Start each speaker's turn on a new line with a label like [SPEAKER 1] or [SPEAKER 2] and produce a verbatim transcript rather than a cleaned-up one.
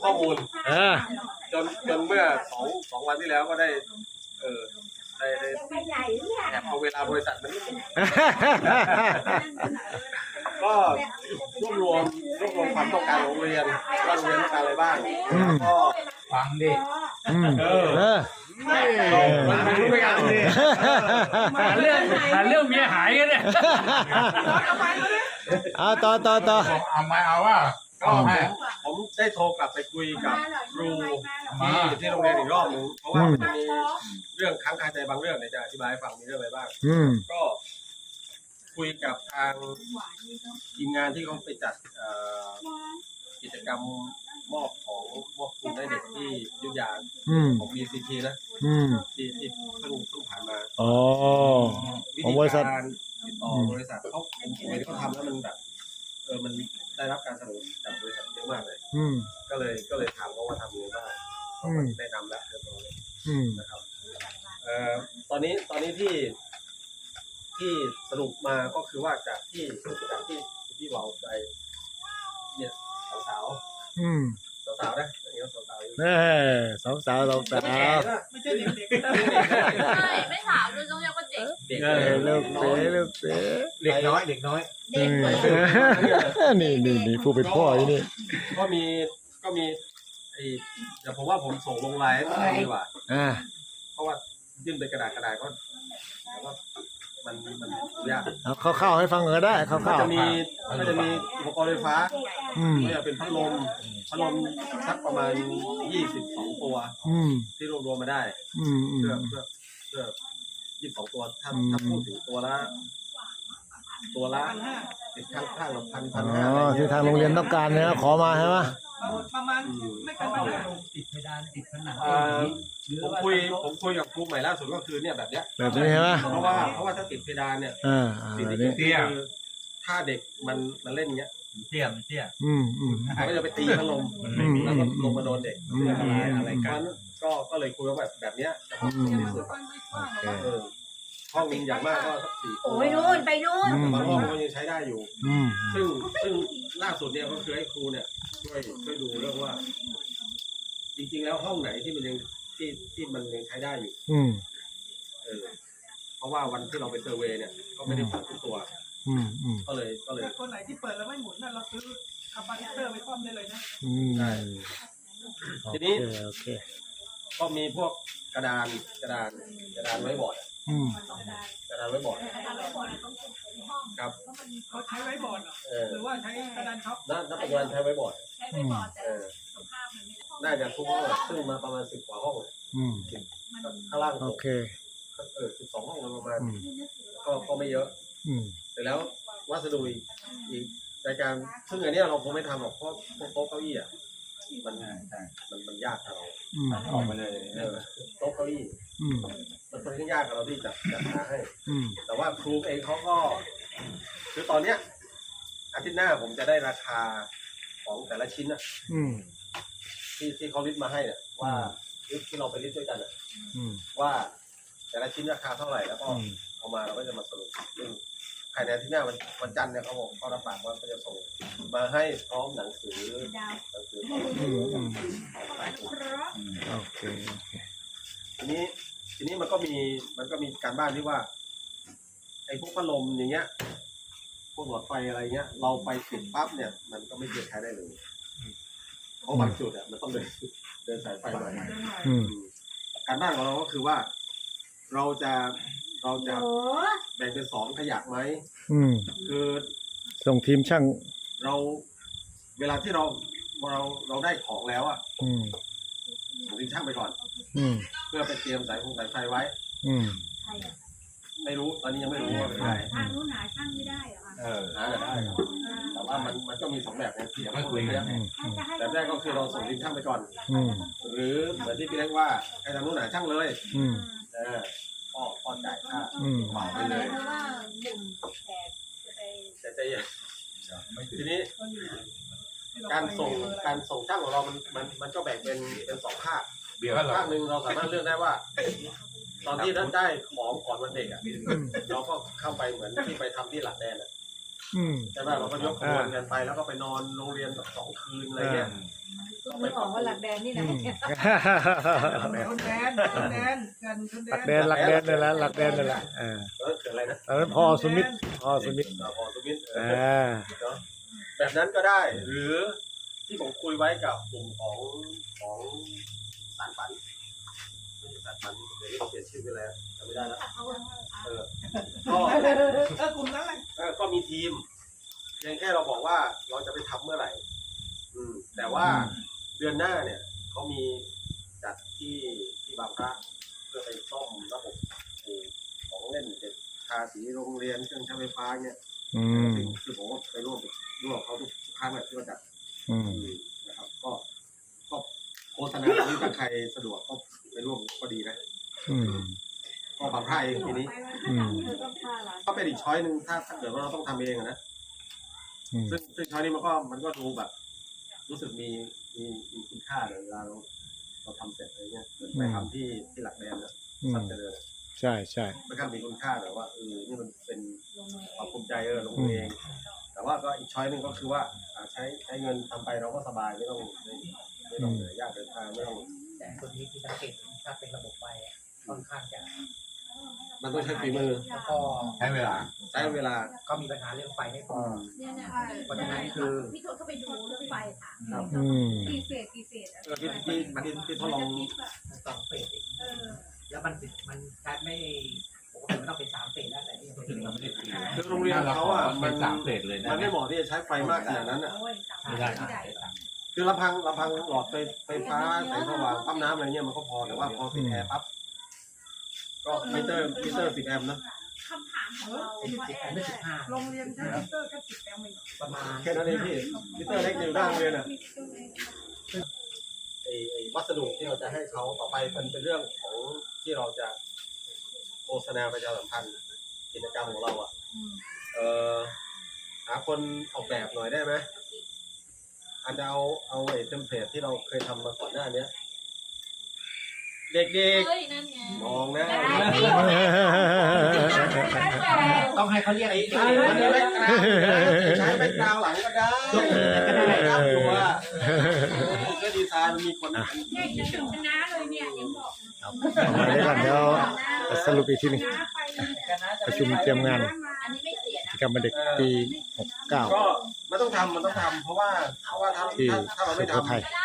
[SPEAKER 1] ข้อมูล
[SPEAKER 2] เออ
[SPEAKER 1] จนจนเมื่อสองสองวันที่แล้วก็ได้เออได้ได้แอบเอาเวลาบริษัทมันก็รวบรวมรวบรวมความต้องการของโรงเรียนว่าโรงเรียนต้องการอะไรบ้างแล้วก็
[SPEAKER 3] ฟังดิ
[SPEAKER 2] อืม
[SPEAKER 1] เออ
[SPEAKER 2] เออ
[SPEAKER 1] เราไม่รู้ไม่กันเลย
[SPEAKER 3] หาเรื่องหาเรื่องเมียหายกันเนี่ย
[SPEAKER 2] เอาต่อต่อต่อ
[SPEAKER 3] เอาไม่เอาว่า
[SPEAKER 1] ก็ผมได้โทรกลับไปคุยกับครูที่ที่โรงเรียนอีกรอบหนึงเพราะว่ามันจะมีเรื่องค้างคาใจบางเรื่องเนี่ยจะอธิบายให้ฟังมีเรื่องอะไรบ้าง
[SPEAKER 2] อืม
[SPEAKER 1] ก็คุยกับทางทีมงานที่เขาไปจัดเอ่อกิจกรรมมอบของมอบทุนให้เด็กที่อยุธยา
[SPEAKER 2] อืม
[SPEAKER 1] ของ บี ซี ที นะ
[SPEAKER 2] อืม
[SPEAKER 1] ที่ที่เพิ่งเพิ่งผ่านมา
[SPEAKER 2] อ๋อ
[SPEAKER 1] วิ
[SPEAKER 2] ของ
[SPEAKER 1] ธี
[SPEAKER 2] บริษัท
[SPEAKER 1] การติดต่อบริษัทเขาผมเห็นเขาทำแล้วมันแบบเออมันได้รับการสนับสนุนจากบริษัทเยอะมากเลย
[SPEAKER 2] อืม
[SPEAKER 1] ก็เลยก็เลยถามเขาว่าทำยังไงบ้างเขา
[SPEAKER 2] อื
[SPEAKER 1] ก็
[SPEAKER 2] ม
[SPEAKER 1] แนะนำแล้วเรียบร้อย
[SPEAKER 2] อืม
[SPEAKER 1] นะครับเอ่อตอนนี้ตอนนี้ที่ที่สรุปมาก็คือว่าจากที่จากที่ที่เราไปเนี่ยสาว
[SPEAKER 2] อืม
[SPEAKER 1] ๆสาวๆนะอย่างเงี้ยสาวๆอยู่
[SPEAKER 2] เออสองสาวสองสา
[SPEAKER 1] ไม่แก่
[SPEAKER 2] ว
[SPEAKER 1] นะไม่ใช่เด็กๆ
[SPEAKER 4] ใช่ไม่ถามด้วยต้องเรียกว่าเด็ก
[SPEAKER 1] เด็ก
[SPEAKER 2] เออลูกเสือลูกเสือ
[SPEAKER 3] เด็กน้อยเด็กน้อย
[SPEAKER 2] เออนี่นี่นี่ผู้เป็นพ่ออยู่นี่
[SPEAKER 1] ก็มีก็มีไอ้เดี๋ยวผมว่าผมส่งลงไลน์ให้ได้ดีกว่า
[SPEAKER 2] อ่า
[SPEAKER 1] เพราะว่ายื่นเป็นกระดาษกระดาษก็แต่ว่ามันมันยาก
[SPEAKER 2] เอาเข้าๆให้ฟังก็ได้เข้า
[SPEAKER 1] ก็
[SPEAKER 2] ๆ
[SPEAKER 1] จะมีก็จะมีอุปกรณ์ไฟฟ้า
[SPEAKER 2] อืม
[SPEAKER 1] ก็จะเป็นพัดลมพัดลมสักประมาณยี่สิบสองตัว
[SPEAKER 2] อืม
[SPEAKER 1] ที่รวมรวมมาได้
[SPEAKER 2] อืมอืม
[SPEAKER 1] เพื่อเพื่อเพื่อยี่สิบสองตัวถ้า
[SPEAKER 2] อืม
[SPEAKER 1] ถ้าพูดถึงตัวละตัวละติดข้างข้างละพันพัน
[SPEAKER 2] อ๋
[SPEAKER 1] ห้า
[SPEAKER 2] อที่ทางโรงเรียนต้องการเนี่ยขอมาใช่ไหม
[SPEAKER 5] ประมาณไม่เกินพันห้า
[SPEAKER 3] ติดเพดานติดผนัง
[SPEAKER 1] เอ่อผมคุยผมคุยกับครูใหม่ล่าสุดก็คือเนี่ยแบบเนี้ย
[SPEAKER 2] แบบนี้ใช่ไหม
[SPEAKER 1] เพราะว่าเพราะว่าถ้าติดเพดานเนี่ย
[SPEAKER 2] อ่าอ่า
[SPEAKER 1] สิ่งที่
[SPEAKER 2] นี่
[SPEAKER 1] เกิดขึ้นคือถ้าเด็กมันมันเล่นอย่างเงี้ย
[SPEAKER 3] เตี้ยมเตี้ย
[SPEAKER 2] อืมอืม
[SPEAKER 1] มันก็จะไปตีพัดลม
[SPEAKER 3] มันไม่มี
[SPEAKER 1] แล้วก็ลงมาโดนเด็ก
[SPEAKER 2] อืม
[SPEAKER 1] อันตรายอะไรกันก็ก็เลยคุยว่าแบบแบบเนี้ยจะเหมาะสมที่สุด
[SPEAKER 2] โอเค
[SPEAKER 1] เออห้องนึงอย่างมากก็สักสี่ตัว
[SPEAKER 4] โอ้ยนู่นไปนู่น
[SPEAKER 2] อืม
[SPEAKER 1] บางห้องก็ยังใช้ได้อยู่
[SPEAKER 2] อืม
[SPEAKER 1] ซึ่งซึ่งล่าสุดเนี่ยก็คือให้ครูเนี่ยช่วยช่วยดูเรื่องว่า จริงๆแล้วห้องไหนที่มันยังที่ที่มันยังใช้ได้อยู่
[SPEAKER 2] อืม
[SPEAKER 1] เออเพราะว่าวันที่เราไปเซอร์เวย์เนี่ยก็ไม่ได้เปิดทุกตัว
[SPEAKER 2] อืมอืม
[SPEAKER 1] ก็เลยก็เลย
[SPEAKER 5] ถ้าคนไหนที่เปิดแล้วไม่หมุนน่ะเราซื้อคาปาซิเตอร์ไปคว่ำได้เลยนะ
[SPEAKER 2] อืม
[SPEAKER 1] ได้
[SPEAKER 2] โอ
[SPEAKER 1] ที
[SPEAKER 2] เค
[SPEAKER 1] นี้
[SPEAKER 2] โอเค
[SPEAKER 1] ก็มีพวกกระดานกระดานกระดานไว้บอร์ดอะ
[SPEAKER 2] อืม
[SPEAKER 1] กระดานไว้บอร์ดครับ
[SPEAKER 5] เขาใช้ไว้บอร์ดเหรอ
[SPEAKER 1] เออ
[SPEAKER 5] หรือว่าใช้กระดานช็อป
[SPEAKER 1] ณณปัจจุบันใช้ไว้บอร์ด
[SPEAKER 2] อืม
[SPEAKER 1] เออน่าจะทุกห้องอะซึ่งมาประมาณสิบกว่าห้อง
[SPEAKER 2] อืม
[SPEAKER 1] ข้างล่าง
[SPEAKER 2] โอเค
[SPEAKER 1] เออสิบสองห้องโดยประมาณ
[SPEAKER 2] อืม
[SPEAKER 1] ก็ก็ไม่เยอะ
[SPEAKER 2] อืม
[SPEAKER 1] แต่แล้ววัสดุอีกอีกรายการซึ่งอันเนี้ยเราคงไม่ทำหรอกเพราะพวกโต๊ะเก้าอี้อ่ะมันมันมันยากกับเรา
[SPEAKER 2] อืม
[SPEAKER 3] ออกมาเลย
[SPEAKER 1] เออโต๊ะเก้าอี้
[SPEAKER 2] อืม
[SPEAKER 1] มันค่อนข้างยากกับเราที่จะจัดหาให้
[SPEAKER 2] อืม
[SPEAKER 1] แต่ว่าครูเองเขาก็คือตอนเนี้ยอาทิตย์หน้าผมจะได้ราคาของแต่ละชิ้นอะ
[SPEAKER 2] อืม
[SPEAKER 1] ที่ที่เขาลิสต์มาให้เนี่ยว่าลิสต์ที่เราไปลิสต์ด้วยกันอะ
[SPEAKER 2] อืม
[SPEAKER 1] ว่าแต่ละชิ้นราคาเท่าไหร่แล้วก็
[SPEAKER 2] อืม
[SPEAKER 1] เอามาเราก็จะมาสรุปซึ่งภายในอาทิตย์หน้าวันวันจันทร์เนี่ยเขาบอกเขารับปากว่าเขาจะส่งมาให้พร้อมหนังสือหนังสือ
[SPEAKER 2] อืมอืมโอเคโอเค
[SPEAKER 1] ทีนี้ทีนี้มันก็มีมันก็มีการบ้านที่ว่าไอ้พวกพัดลมอย่างเงี้ยพวกหลอดไฟอะไรเงี้ย เราไปติดปั๊บเนี่ย มันก็ไม่เกิดใช้ได้เลยเพราะบางจุดอ่ะมันต้องเดินเดินสายไฟมา
[SPEAKER 2] อืม
[SPEAKER 1] การบ้านของเราก็คือว่า เราจะเราจะแบ่งเป็นสองขยักไหม
[SPEAKER 2] อืม
[SPEAKER 1] คือ
[SPEAKER 2] ส่งทีมช่าง
[SPEAKER 1] เราเวลาที่เราเราเราได้ของแล้วอ่ะ
[SPEAKER 2] อืม
[SPEAKER 1] ผมทิ้งช่างไปก่อน
[SPEAKER 2] อืม
[SPEAKER 1] เพื่อไปเตรียมสายฟงสายไฟไว้
[SPEAKER 2] อืม
[SPEAKER 1] ไม่รู้ตอนนี้ยังไม่รู้ว่าเป็นไร
[SPEAKER 4] ทางนู้นหาช่างไม่ได้เหรอคะ
[SPEAKER 3] เออ
[SPEAKER 1] หาได้ครับแต่ว่ามันมันก็มีสองแบบนะที่อย่าง
[SPEAKER 3] ไม่คุยกัน
[SPEAKER 2] อืมอืม
[SPEAKER 1] แบบแรกก็คือเราส่งทีมช่างไปก่อน
[SPEAKER 2] อืม
[SPEAKER 1] หรือเหมือนที่พี่เล็กว่าให้ทางนู้นหาช่างเลย
[SPEAKER 2] อืม
[SPEAKER 1] เออก็ก็จ่ายค่า
[SPEAKER 2] อืม
[SPEAKER 1] เหมาไป
[SPEAKER 4] อะไร
[SPEAKER 1] เลย
[SPEAKER 4] เพราะว่าหนึ่งแขกจะไป
[SPEAKER 1] แต่ใจเย็น
[SPEAKER 3] ไม่ถึง
[SPEAKER 1] ทีนี้การส่งการส่งช่างของเรามันมันมันก็แบ่งเป็นเป็นสองภาค
[SPEAKER 3] เบี้ยว
[SPEAKER 1] ภาคหนึ่งเราสามารถเลือกได้ว่า ตอนที่ท่านได้ของก่อนวันเด็กอ่ะเราก็เข้าไปเหมือนที่ไปทำที่หลักแดนอ่ะ
[SPEAKER 6] อืม
[SPEAKER 1] ใช่ไหมเราก็ยกขบวนกันไปแล้วก็ไปนอนโรงเรียนแบบสองคืนอะไรเงี้ย
[SPEAKER 4] ไม่บอกว่าหลักแดนนี่นะ
[SPEAKER 6] อืม
[SPEAKER 5] คนแดนคนแดนกันคนแด
[SPEAKER 6] หลัก
[SPEAKER 5] น
[SPEAKER 6] แดนหลักแดนนี่แหละหลักแดนนี่แหละเออ
[SPEAKER 1] เออเกิดอะไรนะ
[SPEAKER 6] ตอนนั้นพอสมิธพอสมิธ
[SPEAKER 1] อ่าพอสมิธเอ
[SPEAKER 6] อ่
[SPEAKER 1] อา เนาะแบบนั้นก็ได้ หรือที่ผมคุยไว้กับกลุ่มของของสารฝันไม่ใช่สารฝันเดี๋ยวนี้เขาเปลี่ยนชื่อไปแล้วจำไม่ได้แล้วเออก็
[SPEAKER 5] เออกลุ่มนั้นแหละ
[SPEAKER 1] เออก็มีทีมเพียงแค่เราบอกว่าเราจะไปทำเมื่อไหร่ อืม แต่ว่าเดือนหน้าเนี่ยเขามีจัดที่ที่บางพระเพื่อไปซ่อมระบบไอ้ของเล่นเด็กทาสีโรงเรียนเครื่องใช้ไฟฟ้าเนี่ย
[SPEAKER 6] อืม
[SPEAKER 1] คือผมก็ไปร่วมร่วมกับเขาทุกครั้งแบบที่เราจัด
[SPEAKER 6] อืม
[SPEAKER 1] นะครับ ก็ก็โฆษณาที่ถ้าใครสะดวกก็ไปร่วมก็ดีนะ
[SPEAKER 6] อืม
[SPEAKER 1] ก็บางพระเองทีนี้
[SPEAKER 6] อืม
[SPEAKER 1] ก็เป็นอีกช้อยหนึ่งถ้าถ้าเกิดว่าเราต้องทำเองอะนะ
[SPEAKER 6] อืม
[SPEAKER 1] ซึ่งซึ่งช้อยนี้มันก็มันก็ดูแบบ รู้สึกมีมีมีคุณค่าเลยเวลาเราเราทำเสร็จอะไรเงี้ยเหมือนไปทำที่ที่หลักแดนนะ
[SPEAKER 6] อื
[SPEAKER 1] สั
[SPEAKER 6] ม
[SPEAKER 1] ตว์เจริญ
[SPEAKER 6] ใช่ใช่
[SPEAKER 1] มันก็มีคุณค่าแบบว่าเออนี่มันเป็นความภูมิใจเออลงมือเอง แต่ว่าก็อีกช้อยหนึ่งก็คือว่าอ่าใช้ใช้เงินทำไปเราก็สบายไม่ต้องไม่ไม่ต้องเหนื่อยยากเดินทางไม่ต้อง
[SPEAKER 7] แต่คนนี้ที่สังเกตถ้าเป็นระบบไฟอะค่อนข้างจะ
[SPEAKER 1] มันต้องใช้ฝีมือ
[SPEAKER 7] แล้วก็
[SPEAKER 3] ใช้เวลา
[SPEAKER 1] ใช้เวลา
[SPEAKER 7] ก็มีปัญหาเรื่องไฟไม่พอ
[SPEAKER 4] เนี่ยนะ
[SPEAKER 7] เพราะฉะนั้นคือ
[SPEAKER 4] พี่โทษเขาไปดูเรื่องไฟค่ะ
[SPEAKER 6] อืม
[SPEAKER 4] กี่เฟสกี่เฟส
[SPEAKER 1] เออที่ที่ที่ที่ทดลอง
[SPEAKER 7] มันสองเฟสเอง
[SPEAKER 4] เออ
[SPEAKER 7] แล้วมันติดมันแทบไม่ปกติมันต้องเป็นสามเฟสแล้วแต่นี่ยังเป็น
[SPEAKER 3] เราไม่ได้ตี
[SPEAKER 1] คือโรงเรียนเขาอ่ะ
[SPEAKER 3] มั
[SPEAKER 1] มัน น
[SPEAKER 3] สามเฟสเลยนะ
[SPEAKER 1] มันไม่เหมาะที่จะใช้ไฟมากขนาดนั้นอ่ะ
[SPEAKER 4] โอ้ยสาม
[SPEAKER 3] ไม่ได้
[SPEAKER 4] ไม่ได้
[SPEAKER 1] คือลำพังลำพังหลอดไฟไฟฟ้าแสงสว่างปั๊มน้ำอะไรเงี้ยมันก็พอแต่ว่าพอติดแอร์ปั๊บก็มิเตอร์มิเตอร์สิบแอมป์นะ
[SPEAKER 4] คำถามของเรา
[SPEAKER 7] เป็นสิบแอมป์ไม่สิบห้า
[SPEAKER 5] โรงเรียนใช้มิเตอร์แค่สิบแอมป์เอง
[SPEAKER 7] ประมาณ
[SPEAKER 1] แค่นั้นเองพี่มิเตอร์เล็กอยู่ด้านโรงเรียนอ่ะไอไอวัสดุที่เราจะให้เขาต่อไปมันเป็นเรื่องของที่เราจะโฆษณาประชาสัมพันธ์กิจกรรมของเราอ่ะเออหาคนออกแบบหน่อยได้ไหมอาจจะเอาเอาไอ้เทมเพลตที่เราเคยทำมาก่อนหน้านี้เด็ก
[SPEAKER 4] เฮ้ยนั่นไง
[SPEAKER 1] ๆมองนะ
[SPEAKER 7] ต้องให้เขาเรียก
[SPEAKER 1] ไอ้
[SPEAKER 7] ไอ้
[SPEAKER 1] ไอ้มันแบ็คกราวด์ใช้แบ็คกราวด์หลังก็ได้ก็ได้ครับตัวก็ดีไซน์มันมีคน
[SPEAKER 4] เนี่ยจะถึงชนะเลยเนี่ยยังบอก
[SPEAKER 6] มาได้ก่อนเดี๋ยวสรุปอีกทีหนึงประชุมเตรียมงาน
[SPEAKER 4] อันนี้ไม่เสียนะ
[SPEAKER 6] กิจกรรมเด็กปีหกเก้า
[SPEAKER 1] ก็มันต้องทำมันต้องทำเพราะว่าเพราะว่าถ้า
[SPEAKER 6] ที่
[SPEAKER 1] ถ้าถ้าเรา
[SPEAKER 6] สุ
[SPEAKER 1] ไม่
[SPEAKER 6] โข
[SPEAKER 1] ทำ
[SPEAKER 6] ทัย
[SPEAKER 4] ก็ได้